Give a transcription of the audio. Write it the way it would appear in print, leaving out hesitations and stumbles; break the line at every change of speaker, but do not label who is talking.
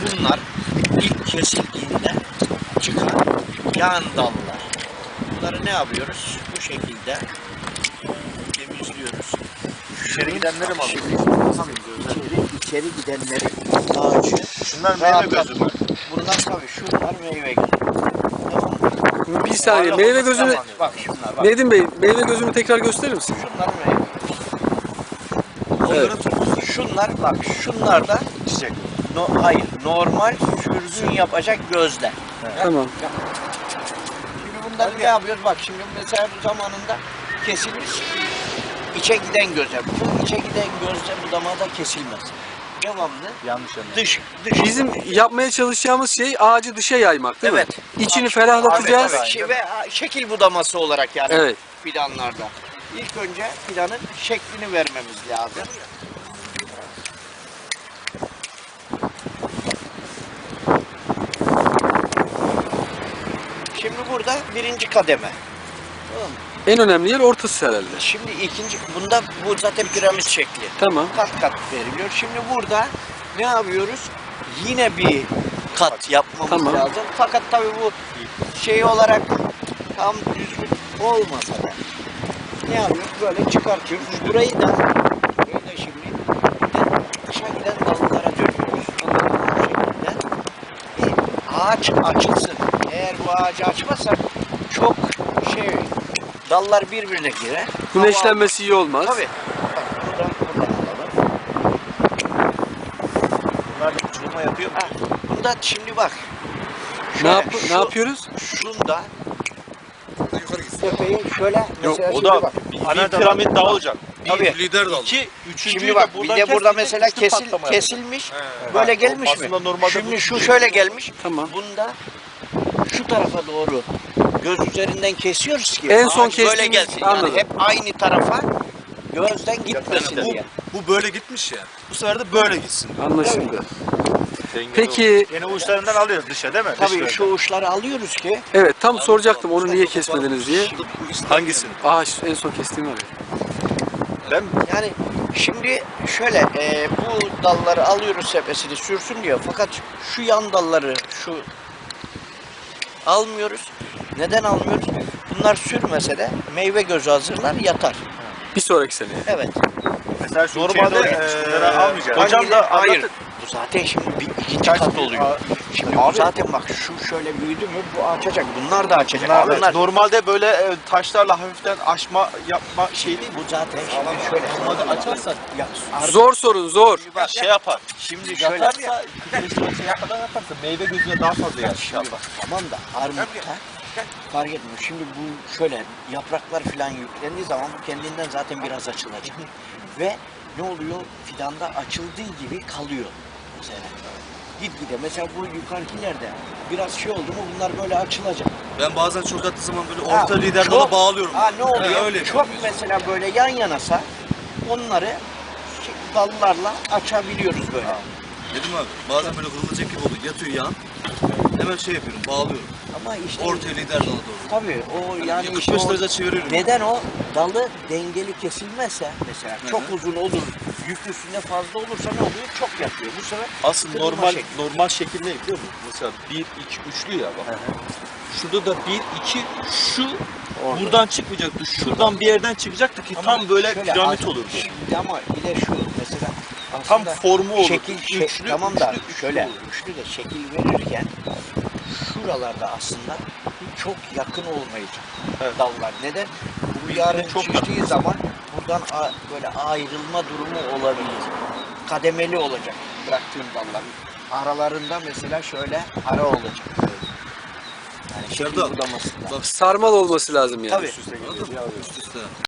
şunlar ilk kesildiğinde çıkan yan dallar. Bunları ne yapıyoruz? Bu şekilde temizliyoruz.
İçeri gidenleri mi alıyoruz?
İçeri gidenleri ağacı.
Şunlar meyve gözü mü?
Bunlar tabii şunlar meyve gözü. Tamam mı?
Bir saniye, meyve gözünü,
Bak şunlar bak.
Nedim Bey, meyve gözünü tekrar gösterir misin?
Şunlar meyve.
Evet.
Şunlar bak, şunlar da
Çiçek.
hayır, normal sürgün yapacak gözler.
Tamam.
Şimdi bunları ne yapıyoruz? Bak şimdi mesela bu zamanında kesilmiş. İçe giden göze. Bu içe giden gözle bu damada kesilmez. Devamlı
Yanlış anladım.
dış.
Bizim yapmaya çalışacağımız şey ağacı dışa yaymak değil
Evet.
mi? İçini ferahlatacağız.
Ve şekil budaması olarak yani
Evet.
fidanlarda. İlk önce fidanın şeklini vermemiz lazım. Şimdi burada birinci kademe. Tamam mı?
En önemli yer ortası herhalde.
Şimdi ikinci, bu zaten piramit şekli.
Tamam.
Kat kat veriliyor. Şimdi burada ne yapıyoruz? Yine bir kat yapmamız
Tamam.
lazım. Fakat tabii bu şey olarak tam düzgün olmasa da ne yapıyoruz? Böyle çıkartıyoruz. Burayı da şimdi aşağı giden dallara dönüyoruz. Bu şekilde. Bir ağaç açılsın. Eğer bu ağacı açmazsak çok dallar birbirine girer.
Güneşlenmesi iyi olmaz.
Tabii. Bak buradan alalım.
Bunlar da uçurma yapıyor mu?
Ha, bunda şimdi bak.
Ne yapıyoruz?
Şunda tepeyi şöyle
Yok
mesela
o
şimdi
da
bak.
bir piramit daha olacak.
Tabii.
Lider dal. İki, üçüncüyü
Şimdi bak bir de burada
kestik,
mesela
üçlü patlama yapacak.
kesilmiş. Böyle gelmiş mi?
Aslında normalde
Şimdi
bu-
şu şöyle gelmiş.
Tamam.
Bunda şu tarafa doğru göz üzerinden kesiyoruz ki
En son
ağaç böyle
kestiğimiz-
gelsin.
anladım.
Yani hep aynı tarafa gözden gitmesin
Bu,
diye.
bu böyle gitmiş ya. Bu sefer de böyle gitsin.
Anlaşıldı. Peki,
Yeni uçlarından alıyoruz dışa değil mi?
Tabii şu uçları alıyoruz ki
evet tam soracaktım onu niye kesmediniz diye.
Hangisini?
Ağaç en son kestiğim var ya.
Ben mi?
yani şimdi şöyle bu dalları alıyoruz sepesini sürsün diyor. Fakat şu yan dalları almıyoruz. Neden almıyoruz? Bunlar sürmese de meyve gözü hazırlar yatar.
Bir sonraki sene.
Evet.
Mesela şu
Normalde,
bunları almayacağız.
Hocam da hayır.
anlatın.
Bu zaten şimdi ikinci kat oluyor. Şimdi bu
Abi-
zaten bak şu şöyle büyüdü mü bu açacak. Bunlar da açacak.
Bunlar, normalde böyle taşlarla hafiften aşma yapma şey değil mi?
Bu zaten şimdi şöyle.
Açarsak
Ya,
Zor sorun zor.
bak,
şey yapar.
şimdi şöyle.
Yaparsa, şey yapmadan yaparsa meyve gözüne daha fazla yer inşallah.
Tamam da armutta fark etmiyor. Şimdi bu şöyle yapraklar falan yüklendiği zaman bu kendinden zaten biraz açılacak. Ve ne oluyor? Fidanda açıldığı gibi kalıyor mesela. Gitgide mesela bu yukarıkilerde biraz şey oldu mu bunlar böyle açılacak.
Ben bazen çok attığı zaman böyle
Ha,
orta lider
çok-
dala bağlıyorum.
Ha ne oluyor?
öyle
çok
yapıyorum
mesela böyle yan yanasa onları dallarla açabiliyoruz böyle.
Dedim abi bazen böyle kırılacak gibi oluyor. Yatıyor yan. Hemen şey yapıyorum bağlıyorum.
Ama işte
Ortaya lider dala doğru.
tabii o yani işte
45
o-
derece çeviriyorum.
neden o dalı dengeli kesilmezse mesela çok uzun olur, yük üstünde fazla olursa ne oluyor? Çok yakıyor. Bu sefer
Aslında
kırılma şekli.
normal şekil ne biliyor musun? Mesela 1 2 üçlü ya bak. Şurada da 1 2 şu
Orada.
buradan çıkmayacaktı. Şuradan bir yerden çıkacaktı ki
Ama
tam böyle
şöyle
piramit
az-
olurdu.
Şimdi ama bir de şu mesela
Tam
aslında
formu olurdu.
şekil
Üçlü,
tamam da
üçlü
şöyle
olurdu.
üçlü de şekil verirken şuralarda aslında çok yakın olmayacak
Evet.
dallar. Neden? Bu
Birbirine
yarın
çok
çıktığı zaman buradan böyle ayrılma durumu olabilir. Kademeli olacak bıraktığım dallar. Aralarında mesela şöyle ara olacak. Yani şekil
Serdar,
budamasında.
Sarmal olması lazım yani.
Tabii.
Üst üste.